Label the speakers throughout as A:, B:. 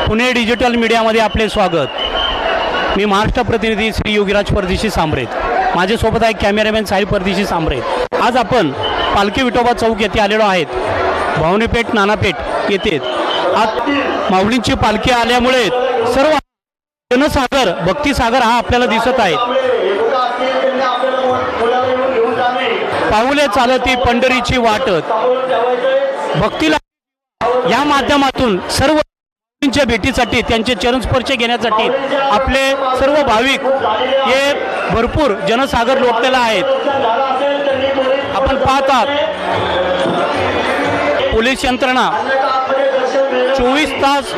A: Pune digital मीडियामध्ये आपले स्वागत। मी महाराष्ट्र प्रतिनिधी श्री योगीराज परदेशी सांबरेत, माझ्यासोबत आहे कॅमेरामॅन साहिल परदेशी सांबरेत। आज आपण पालखी विठोबा चौक येथे आलेलो आहेत, भावनीपेठ नानापेठ येथे। आज माऊलींची पालखी आल्यामुळे सर्व जनसागर भक्तिसागर हा आपल्याला दिसत आहे। पाऊले चालती पंढरीची वाटत, भक्तीला या माध्यमातून सर्व च्या भेटीसाठी त्यांचे चरणस्पर्श घेण्यासाठी आपले सर्व भाविक हे भरपूर जनसागर लोटलेला आहेत। आपण पाहतात पोलीस यंत्रणा 24 तास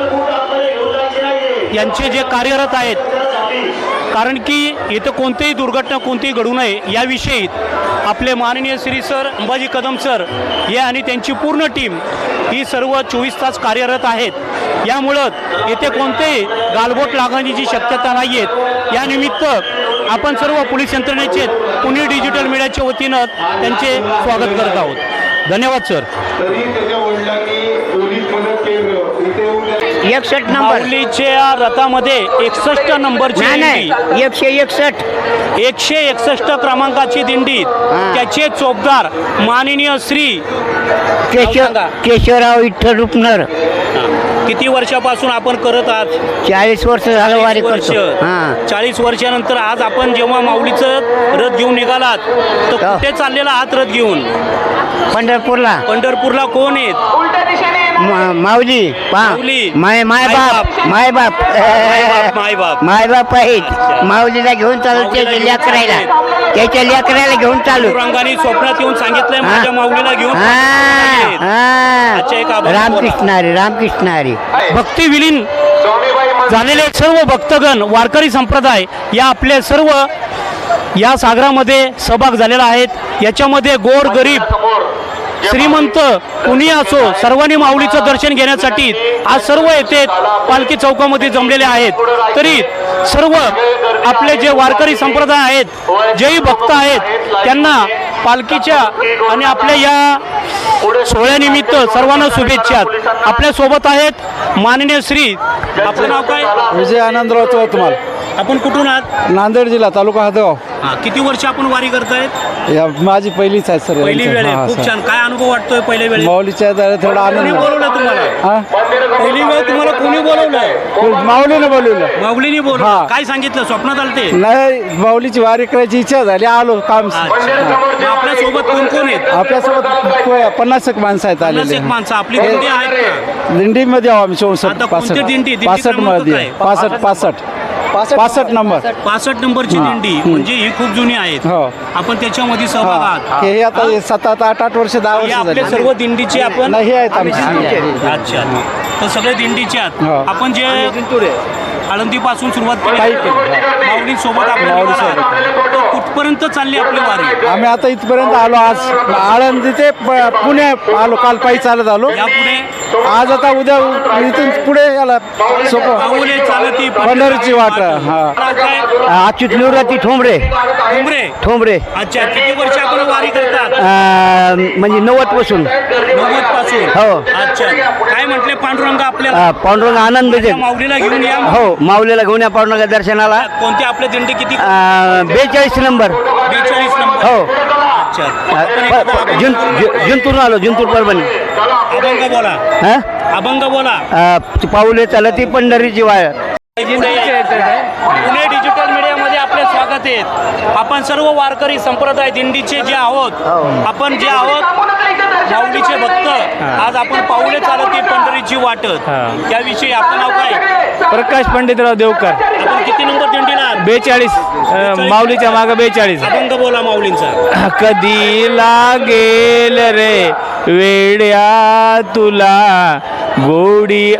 A: यांचे जे कार्यरत आहेत, कारण की इथं कोणतीही दुर्घटना कोणतीही घडू नये याविषयी आपले माननीय श्री सर अंबाजी कदम सर हे आणि त्यांची पूर्ण टीम ही सर्व 24 तास कार्यरत आहेत। यामुळं येथे कोणतेही गालबोट लागण्याची शक्यता नाही आहे। या निमित्त आपण सर्व पोलीस यंत्रणेचे पुणे डिजिटल मीडियाच्या वतीनं त्यांचे स्वागत करत आहोत। धन्यवाद सर।
B: 61 नंबर
A: माऊलीच्या रथामध्ये 61 नंबरची
B: नाही
A: 161 क्रमांकाची दिंडी, त्याचे चोपदार माननीय श्री
B: केशवराव विठ्ठल रुपनर।
A: किती वर्षापासून आपण करत आहात?
B: 40 वर्ष झालं वारी करतो।
A: 40 वर्षानंतर आज आपण जेव्हा माऊलीचं रथ घेऊन निघालात तर कुठे चाललेला आहात रथ घेऊन?
B: पंढरपूरला।
A: पंढरपूरला कोण आहेत?
B: माऊली मायबाप मायबाप आहेत। माऊलीला घेऊन चालू, त्याच्या लेकराला घेऊन चालू।
A: रंगाने स्वप्नात येऊन सांगितलंय माझ्या माऊलीला घेऊन।
B: रामकृष्ण हरी, रामकृष्ण हरी।
A: भक्ती विलीन झालेले सर्व भक्तगण वारकरी संप्रदाय या आपले सर्व या सागरामध्ये सहभाग झालेला आहेत। याच्यामध्ये गोर गरीब श्रीमंत कुणी असो सर्वांनी माऊलीचं दर्शन घेण्यासाठी आज सर्व येथे पालखी चौकामध्ये जमलेले आहेत। तरी सर्व आपले जे वारकरी संप्रदाय आहेत, जेही भक्त आहेत, त्यांना पालखीच्या आणि आपल्या या सोहळ्यानिमित्त सर्वांना शुभेच्छा। आपल्या सोबत आहेत माननीय श्री, आपलं नाव काय?
C: विजय आनंदराव चौतमाल।
A: आपण कुठून आहात?
C: नांदेड जिल्हा, तालुका हातगाव।
A: किती वर्ष आपण वारी करतायत?
C: या माझी पहिलीच आहे सर।
A: पहिली वेळ आहे। खूप छान। काय अनुभव वाटतोय पहिल्या वेळेस?
C: माऊलीच्या दारात थोडा
A: कोणी
C: आनंद।
A: बोलवलं तुम्हाला? पहिली वेळ तुम्हाला कोणी बोलवलं?
C: माऊलीने बोलवलं।
A: माऊलीने बोलवलं? काय सांगितलं? स्वप्नात आलते?
C: नाही, माऊलीची वारी करायची इच्छा झाली, आलो काम।
A: आपल्या सोबत कोण कोण आहेत?
C: आपल्यासोबत 50 माणसं आहेत आलेले।
A: 50 माणसं आपली दिंडी आहेत का?
C: दिंडीमध्ये आहो आम्ही।
A: आता कोणती दिंडी?
C: 65 मध्ये 65 नंबर
A: 65 नंबरची दिंडी म्हणजे ही खूप जुनी आहेत।
C: हो।
A: आपण त्याच्यामध्ये सहभाग आहात।
C: हे आता 7-8 वर्ष 10
A: हे
C: वर्ष
A: आपले
C: झाले।
A: सर्व दिंडीचे आपण?
C: नाही, आहेत आमचे।
A: अच्छा, तर सगळे दिंडीचे आहात।
C: हो।
A: आपण जे आळंदी पासून सुरुवात केली माऊली सोबत आपण कुठपर्यंत चालली आपली वारी?
C: आम्ही आता इथपर्यंत आलो। आज आळंदी ते पुणे आलो, काल पायी चालत आलो।
A: यापुढे
C: आज आता उद्या इथून पुढे याला सोपं
A: पाऊले चालती
C: पंढरीची वाट।
B: अच्युत निवृत्ती ठोंबरे।
A: ठोंबरे। अच्छा, किती वर्ष आपण वारी करतात?
B: म्हणजे 90 पासून।
A: 90 पासून?
B: हो।
A: अच्छा, काय म्हटले पांडुरंग आपल्याला?
B: पांडुरंग आनंद देते।
A: माऊलीला घेऊन या।
B: हो, माऊलीला घेऊन या पांडुरंगा दर्शनाला।
A: कोणती आपल्या दिंडी किती?
B: 42 नंबर।
A: 42 नंबर।
B: हो।
A: अच्छा,
B: जिंतूर आलो, जिंतूर परभणी।
A: अभंग बोला। अभंग बोला।
B: पाऊले चालती पंढरीची वाट।
A: पुणे डिजिटल मीडियामध्ये आपले स्वागत आहे। आपण सर्व वारकरी संप्रदाय दिंडीचे जे आहोत, आपण जे आहोत माऊलीचे भक्त, आज आपण पाऊले चालती पंढरीची वाटत याविषयी आपलं नाव काय?
C: प्रकाश पंडितराव देवकर।
A: आपण किती नंबर दिंडीला?
C: 42 माऊलीच्या मागे 42।
A: अभंग बोला माऊलींचा।
C: कधी लागेल रे वेड्या तुला गोडी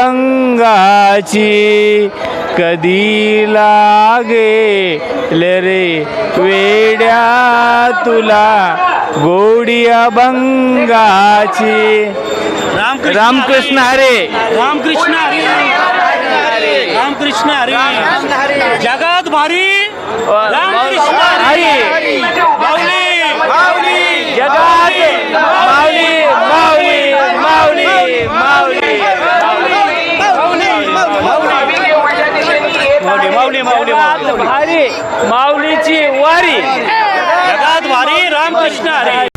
C: अभंगाची, कधी लागेल रे वेड्या तुला गोडी अभंगाची। रामकृष्ण हरे,
A: रामकृष्ण हरी, रामकृष्ण हरी। जगात भारी रामकृष्ण हरी। माऊली माऊली
C: जगात माऊली माऊली माऊली माऊली माऊली।
A: माऊली माऊली माऊली
D: भारी माऊलीची वारी
A: जगात वारी रामकृष्ण हरी.